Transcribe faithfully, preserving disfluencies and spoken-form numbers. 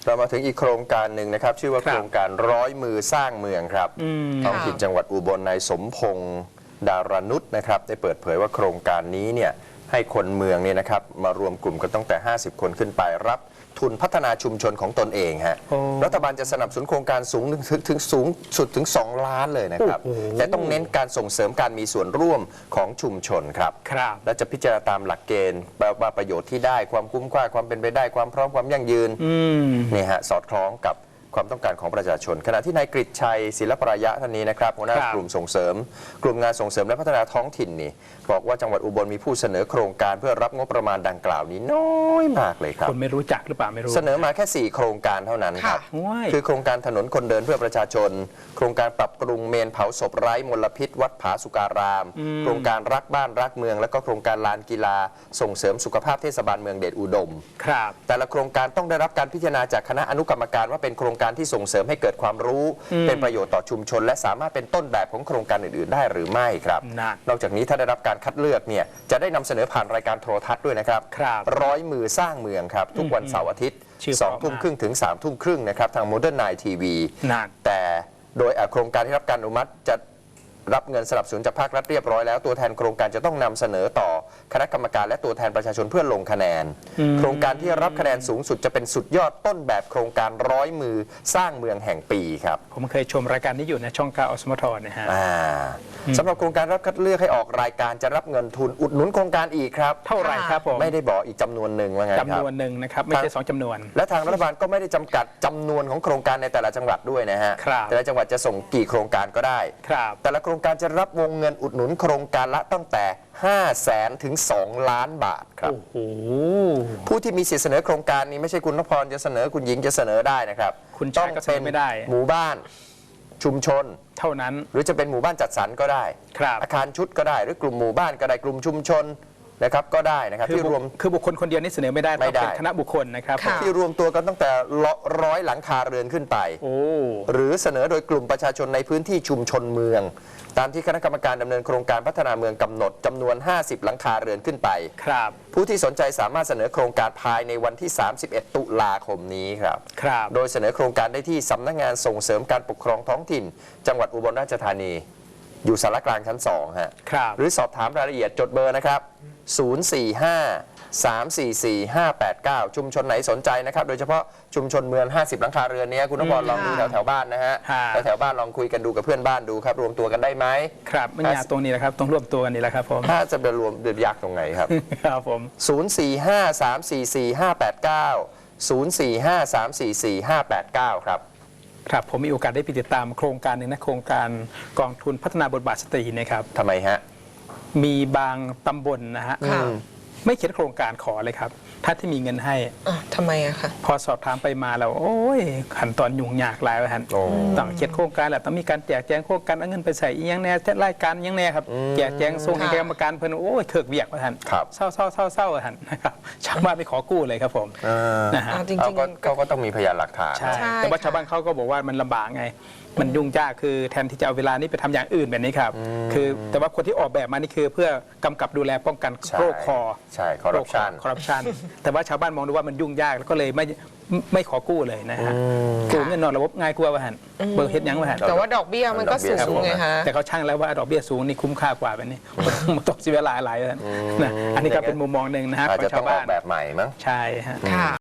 เรามาถึงอีกโครงการหนึ่งนะครับชื่อว่าโครงการร้อยมือสร้างเมืองครับท้องถิ่นจังหวัดอุบลนายสมพงษ์ดารนุชนะครับได้เปิดเผยว่าโครงการนี้เนี่ยให้คนเมืองเนี่ยนะครับมารวมกลุ่มกันตั้งแต่ห้าสิบคนขึ้นไปรับทุนพัฒนาชุมชนของตนเองฮะรัฐบาลจะสนับสนุนโครงการสูงถึงถึงสูงสุดถึงสองล้านเลยนะครับแต่ต้องเน้นการส่งเสริมการมีส่วนร่วมของชุมชนครับและจะพิจารณาตามหลักเกณฑ์แปลว่าประโยชน์ที่ได้ความคุ้มค่าความเป็นไปได้ความพร้อมความยั่งยืนนี่ฮะสอดคล้องกับความต้องการของประชาชนขณะที่นายกฤษชัยศิลปรายะท่านนี้นะครับหัวหน้ากลุ่มส่งเสริมกลุ่มงานส่งเสริมและพัฒนาท้องถิ่นนี่บอกว่าจังหวัดอุบลมีผู้เสนอโครงการเพื่อรับงบประมาณดังกล่าวนี้น้อยมากเลยครับคนไม่รู้จักหรือเปล่าไม่รู้เสนอมาแค่สี่โครงการเท่านั้นครับคือโครงการถนนคนเดินเพื่อประชาชนโครงการปรับปรุงเมนเผาศพไร้มลพิษวัดผาสุการามโครงการรักบ้านรักเมืองและก็โครงการลานกีฬาส่งเสริมสุขภาพเทศบาลเมืองเดชอุดมครับแต่ละโครงการต้องได้รับการพิจารณาจากคณะอนุกรรมการว่าเป็นโครงการที่ส่งเสริมให้เกิดความรู้เป็นประโยชน์ต่อชุมชนและสามารถเป็นต้นแบบของโครงการอื่นๆได้หรือไม่ครับนอกจากนี้ถ้าได้รับการคัดเลือกเนี่ยจะได้นำเสนอผ่านรายการโทรทัศน์ด้วยนะครับร้อยมือสร้างเมืองครับทุกวันเสาร์อาทิตย์สองทุ่มครึ่งถึงสามทุ่มครึ่งนะครับทางโมเดิร์นไนท์ทีวีแต่โดยโครงการที่รับการอนุมัติจะรับเงินสนับสนุนจากภาครัฐเรียบร้อยแล้วตัวแทนโครงการจะต้องนำเสนอต่อคณะกรรมการและตัวแทนประชาชนเพื่อลงคะแนนโครงการที่รับคะแนนสูงสุดจะเป็นสุดยอดต้นแบบโครงการร้อยมือสร้างเมืองแห่งปีครับผมเคยชมรายการนี้อยู่ในช่องเก้าอสมทนะฮะสำหรับโครงการรับคัดเลือกให้ออกรายการจะรับเงินทุนอุดหนุนโครงการอีกครับเท่าไหร่ครับผมไม่ได้บอกอีกจำนวนหนึ่งว่าไงครับจำนวนหนึ่งนะครับไม่ใช่สองจำนวนและทางรัฐบาลก็ไม่ได้จำกัดจำนวนของโครงการในแต่ละจังหวัดด้วยนะฮะแต่ละจังหวัดจะส่งกี่โครงการก็ได้แต่ละโครงการจะรับวงเงินอุดหนุนโครงการละตั้งแต่ห้าแสนถึงสองล้านบาทครับผู้ที่มีสิทธิเสนอโครงการนี้ไม่ใช่คุณนพพรจะเสนอคุณหญิงจะเสนอได้นะครับคุณต้องเป็นหมู่บ้านชุมชนเท่านั้นหรือจะเป็นหมู่บ้านจัดสรรก็ได้อาคารชุดก็ได้หรือกลุ่มหมู่บ้านก็ได้กลุ่มชุมชนนะครับก็ได้นะครับที่รวมคือบุคคลคนเดียวนี่เสนอไม่ได้ต้องเป็นคณะบุคคลนะครับที่รวมตัวกันตั้งแต่ร้อยหลังคาเรือนขึ้นไปหรือเสนอโดยกลุ่มประชาชนในพื้นที่ชุมชนเมืองตามที่คณะกรรมการดำเนินโครงการพัฒนาเมืองกำหนดจำนวนห้าสิบหลังคาเรือนขึ้นไปผู้ที่สนใจสามารถเสนอโครงการภายในวันที่สามสิบเอ็ดตุลาคมนี้ครับโดยเสนอโครงการได้ที่สำนักงานส่งเสริมการปกครองท้องถิ่นจังหวัดอุบลราชธานีอยู่สารกลางชั้นสองฮะหรือสอบถามรายละเอียดจดเบอร์นะครับศูนย์ สี่ ห้า สาม สี่ สี่ ห้า แปด เก้าชุมชนไหนสนใจนะครับโดยเฉพาะชุมชนเมืองห้าสิบหลังคาเรือนนี้คุณนพพรลองดูแถวแถวบ้านนะฮะแถวบ้านลองคุยกันดูกับเพื่อนบ้านดูครับรวมตัวกันได้ไหมครับไม่ยากตรงนี้แหละครับต้องรวมตัวกันนี่แหละครับผมถ้าจะไปรวมเดือดยากตรงไหนครับครับผมศูนย์ สี่ ห้า สาม สี่ สี่ ห้า แปด เก้า ศูนย์ สี่ ห้า สาม สี่ สี่ ห้า แปด เก้าครับครับผมมีโอกาสได้ไปติดตามโครงการหนึ่งนะโครงการกองทุนพัฒนาบทบาทสตรีนะครับทำไมฮะมีบางตำบลนะฮะไม่เขียนโครงการขอเลยครับถ้าที่มีเงินให้ทำไมอะคะพอสอบถามไปมาแล้วโอ้ยขั้นตอนยุ่งยากหลายวันต้องเขียนโครงการแหละต้องมีการแจกแจงโครงการเอาเงินไปใส่อีกอย่างแน่รายการยังแน่ครับแจกแจงส่งให้กรรมการเพิ่นโอ้ยเถิกเวียกว่าท่านเศร้าเศร้าเศร้าเศร้าท่านนะครับชาวบ้านไปขอกู้เลยครับผมนะฮะจริงๆเขาก็ต้องมีพยานหลักฐานใช่แต่ว่าชาวบ้านเขาก็บอกว่ามันลำบากไงมันยุ่งยากคือแทนที่จะเอาเวลานี้ไปทำอย่างอื่นแบบนี้ครับคือแต่ว่าคนที่ออกแบบมานี่คือเพื่อกำกับดูแลป้องกันโรคคอใช่คอร์รัปชันคอร์รัปชันแต่ว่าชาวบ้านมองดูว่ามันยุ่งยากแล้วก็เลยไม่ไม่ขอกู้เลยนะฮะกู้เงินนอกระบบง่ายกว่าว่าหันเบิกเฮ็ดยังว่าหันแต่ว่าดอกเบี้ยมันก็สูงไงฮะแต่เขาช่างแล้วว่าดอกเบี้ยสูงนี่คุ้มค่ากว่าแบบนี้มันตกเสียเวลาหลายๆนะอันนี้ก็เป็นมุมมองหนึ่งนะฮะของชาวบ้านแบบใหม่มั้งใช่ฮะ